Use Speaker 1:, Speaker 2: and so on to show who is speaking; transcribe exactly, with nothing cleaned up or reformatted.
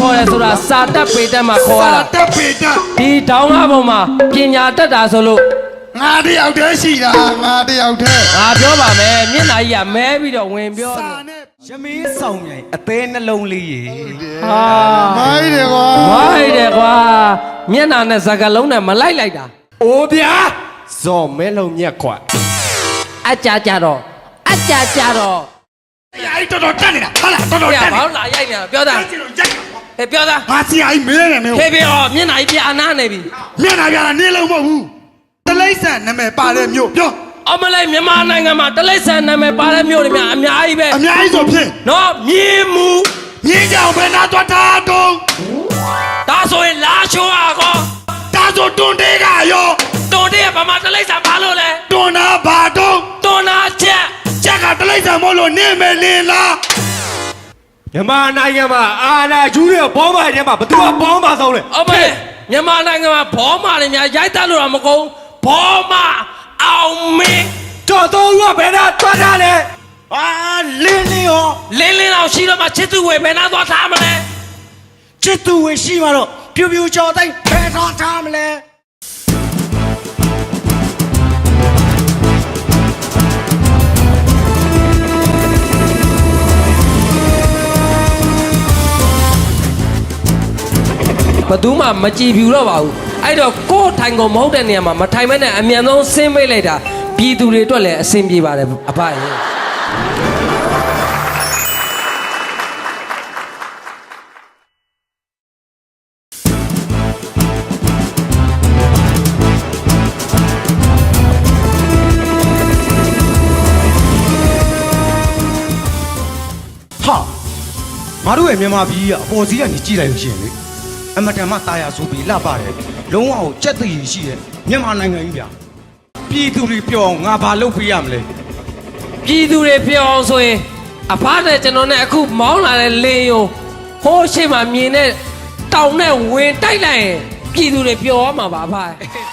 Speaker 1: ခေါ်တယ်ဆိုတာစာတက်ပေတက်မှာခေါ်ရတာ
Speaker 2: စာတက်ပေတက်
Speaker 1: ဒီတောင်းကားပေါ်မှာပညာတက်တာဆိုလို့
Speaker 2: ငါတယောက်တည်းရှိတာငါတယောက်တည်း
Speaker 1: ငါပြောပါမယ်မျက်နှာကြီးကမဲပြီးတော့ဝင်ပြော
Speaker 2: စာ
Speaker 1: တယ်
Speaker 2: နဲ့
Speaker 3: ရမင်းဆောင်မြိုင်အသေးနှလုံးလေးရေ
Speaker 1: ဟာ
Speaker 2: မိုင်းတယ်ကွာ
Speaker 1: ဝိုင်းတယ်ကွာမျက်နှာနဲ့စကားလုံးနဲ့မလိုက်လိုက်တာ
Speaker 3: အိုးဗျာဇော်မဲလုံးမြက်ခွတ်
Speaker 1: အကြကြတော့အကြကြတော့
Speaker 2: အဲ့တော်တော်တက်နေတာဟာလားတော်တော်
Speaker 1: ပြ
Speaker 2: တက်နေ
Speaker 1: ဘောင်းလာရိုက်နေတာပြောသား
Speaker 2: အဲ့ကျွန်တော်ရိုက်တာ
Speaker 1: ဟဲ့ပြောသား
Speaker 2: ငါစီအိုင်မဲနေမင်း
Speaker 1: ဖေဖေဟောမျက်နှာကြီးပြအနားနေပြီ
Speaker 2: မျက်နှာပြတာနေလုံးမဟုတ်ဘူးတလိမ့်ဆန်နာမည်ပါတဲ့မြို့ပြော
Speaker 1: အမလေးမြန်မာနိုင်ငံမှာတလိษံနာမည်ပါတဲ့မြို့တွေများအများကြီးပဲ
Speaker 2: အများကြီးဆိုဖြင့်
Speaker 1: နော်မြင်းမူ
Speaker 2: မြင်းကြောင်ဘယ်နာသွားတာတုံး
Speaker 1: ဒါဆိုရင်လာချိုးอ่ะကော
Speaker 2: ဒါဆိုတွန်တေးကရော
Speaker 1: တွန်တဲ့ကဘာမှတလိษံဘာလို့လဲ
Speaker 2: တွန်နာဘာတုံး
Speaker 1: တွန်နာချက်
Speaker 2: ချက်ကတလိမ့်ဆန်မို့လို့နေမယ်လင်းလား
Speaker 3: မြန်မာနိုင်ငံမှာအာနာကျူးတဲ့ဘောမထဲမှာဘသူကဘောမဆုံးလဲ
Speaker 1: အမလေးမြန်မာနိုင်ငံမှာဘောမာတွေများရိုက်တတ်လို့တော့မကုန်ဘောမာအောင်မင်း
Speaker 3: တော်တော်ကဘယ်နာသွားတာလဲအာလင်းလင်းရော
Speaker 1: လင်းလင်းအောင်ရှိတော့မှချစ်သူဝေဘယ်နာသွားထားမလဲ
Speaker 3: ချစ်သူဝင်ရှိမှာတော့ပြူပြူကြော်တိုင်းဘယ်တော့ထားမလဲ
Speaker 1: ဘသူမှမကြည်ဖြူတော့ပါဘူးအဲ့တော့ကိုယ်ထိုင်ကုန်မဟုတ်တဲ့နေရာမှာမထိုင်မဲနဲ့အမြန်ဆုံးဆင်းပေးလိုက်တာပြည်သူတွေအတွက်လည်းအဆင်ပြေပါတယ်အဖရဲ့
Speaker 3: ဟာငါတို့ရဲ့မြန်မာပြည်ကအပေါ်စီးကနေကြည့်လိုက်လို့ရှိရင်လေအမတန်မှတာယာဆိုပြီးလှပါတယ်လုံးဝကိုကြက်တည်ရှိရဲ့မြန်မာနိုင်ငံကြီးဗျာပြည်သူတွေပြောအောင်ငါဘာလုပ်ပေးရမလဲ
Speaker 1: ပြည်သူတွေပြောအောင်ဆိုရင်အဖနဲ့ကျွန်တော်နဲ့အခုမောင်းလာတဲ့လင်းယုံဟိုးရှိမှမြင်တဲ့တောင်နဲ့ဝင်တိုက်လိုက်ရင်ပြည်သူတွေပြောရမှာပါအဖ